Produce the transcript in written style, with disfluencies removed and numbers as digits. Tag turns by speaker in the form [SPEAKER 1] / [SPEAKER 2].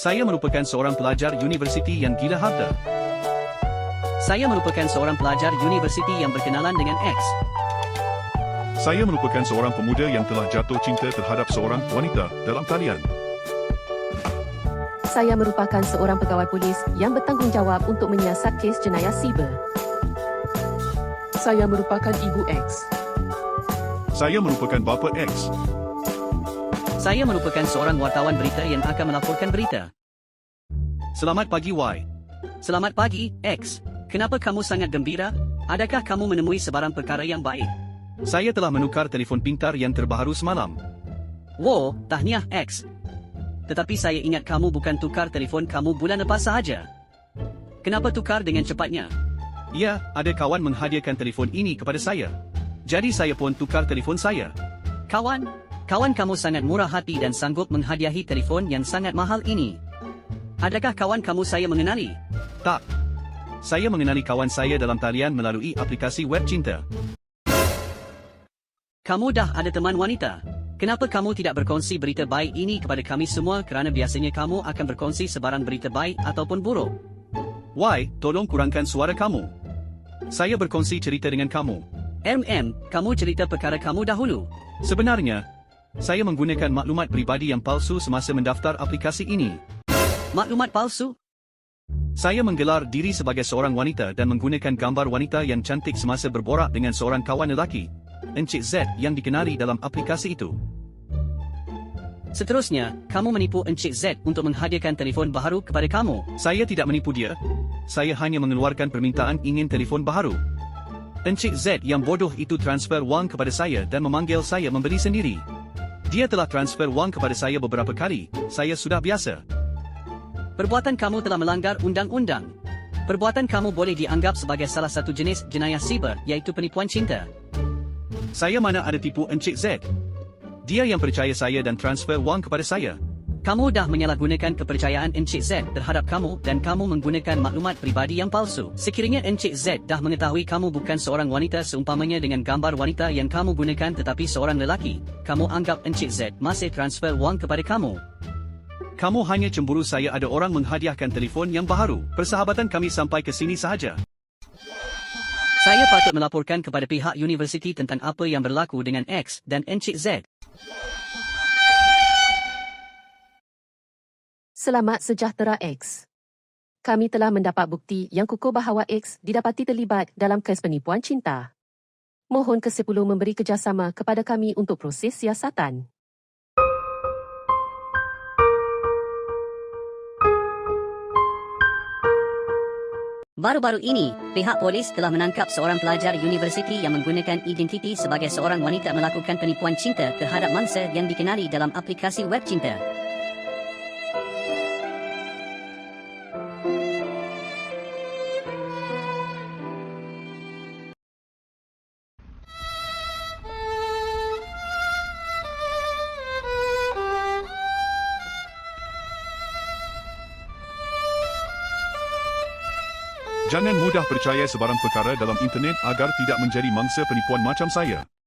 [SPEAKER 1] Saya merupakan seorang pelajar universiti yang gila harta.
[SPEAKER 2] Saya merupakan seorang pelajar universiti yang berkenalan dengan X.
[SPEAKER 3] Saya merupakan seorang pemuda yang telah jatuh cinta terhadap seorang wanita dalam talian.
[SPEAKER 4] Saya merupakan seorang pegawai polis yang bertanggungjawab untuk menyiasat kes jenayah siber.
[SPEAKER 5] Saya merupakan Ibu X.
[SPEAKER 3] Saya merupakan bapa X.
[SPEAKER 2] Saya merupakan seorang wartawan berita yang akan melaporkan berita.
[SPEAKER 1] Selamat pagi, Y.
[SPEAKER 2] Selamat pagi, X. Kenapa kamu sangat gembira? Adakah kamu menemui sebarang perkara yang baik?
[SPEAKER 1] Saya telah menukar telefon pintar yang terbaru semalam.
[SPEAKER 2] Wow, tahniah, X. Tetapi saya ingat kamu bukan tukar telefon kamu bulan lepas sahaja. Kenapa tukar dengan cepatnya?
[SPEAKER 1] Ya, ada kawan menghadiahkan telefon ini kepada saya. Jadi saya pun tukar telefon saya.
[SPEAKER 2] Kawan kamu sangat murah hati dan sanggup menghadiahi telefon yang sangat mahal ini. Adakah kawan kamu saya mengenali?
[SPEAKER 1] Tak. Saya mengenali kawan saya dalam talian melalui aplikasi web cinta.
[SPEAKER 2] Kamu dah ada teman wanita. Kenapa kamu tidak berkongsi berita baik ini kepada kami semua kerana biasanya kamu akan berkongsi sebarang berita baik ataupun buruk?
[SPEAKER 1] Y, tolong kurangkan suara kamu. Saya berkongsi cerita dengan kamu.
[SPEAKER 2] Kamu cerita perkara kamu dahulu.
[SPEAKER 1] Sebenarnya, saya menggunakan maklumat peribadi yang palsu semasa mendaftar aplikasi ini.
[SPEAKER 2] Maklumat palsu?
[SPEAKER 1] Saya menggelar diri sebagai seorang wanita dan menggunakan gambar wanita yang cantik semasa berborak dengan seorang kawan lelaki, Encik Z, yang dikenali dalam aplikasi itu.
[SPEAKER 2] Seterusnya, kamu menipu Encik Z untuk menghadiahkan telefon baharu kepada kamu.
[SPEAKER 1] Saya tidak menipu dia. Saya hanya mengeluarkan permintaan ingin telefon baharu. Encik Z yang bodoh itu transfer wang kepada saya dan memanggil saya membeli sendiri. Dia telah transfer wang kepada saya beberapa kali. Saya sudah biasa.
[SPEAKER 2] Perbuatan kamu telah melanggar undang-undang. Perbuatan kamu boleh dianggap sebagai salah satu jenis jenayah siber, iaitu penipuan cinta.
[SPEAKER 1] Saya mana ada tipu Encik Z. Dia yang percaya saya dan transfer wang kepada saya.
[SPEAKER 2] Kamu dah menyalahgunakan kepercayaan Encik Z terhadap kamu dan kamu menggunakan maklumat peribadi yang palsu. Sekiranya Encik Z dah mengetahui kamu bukan seorang wanita seumpamanya dengan gambar wanita yang kamu gunakan tetapi seorang lelaki, kamu anggap Encik Z masih transfer wang kepada kamu.
[SPEAKER 1] Kamu hanya cemburu saya ada orang menghadiahkan telefon yang baharu. Persahabatan kami sampai ke sini sahaja.
[SPEAKER 2] Saya patut melaporkan kepada pihak universiti tentang apa yang berlaku dengan X dan Encik Z.
[SPEAKER 4] Selamat sejahtera X. Kami telah mendapat bukti yang kukuh bahawa X didapati terlibat dalam kes penipuan cinta. Mohon ke-10 memberi kerjasama kepada kami untuk proses siasatan.
[SPEAKER 6] Baru-baru ini, pihak polis telah menangkap seorang pelajar universiti yang menggunakan identiti sebagai seorang wanita melakukan penipuan cinta terhadap mangsa yang dikenali dalam aplikasi web cinta.
[SPEAKER 3] Jangan mudah percaya sebarang perkara dalam internet agar tidak menjadi mangsa penipuan macam saya.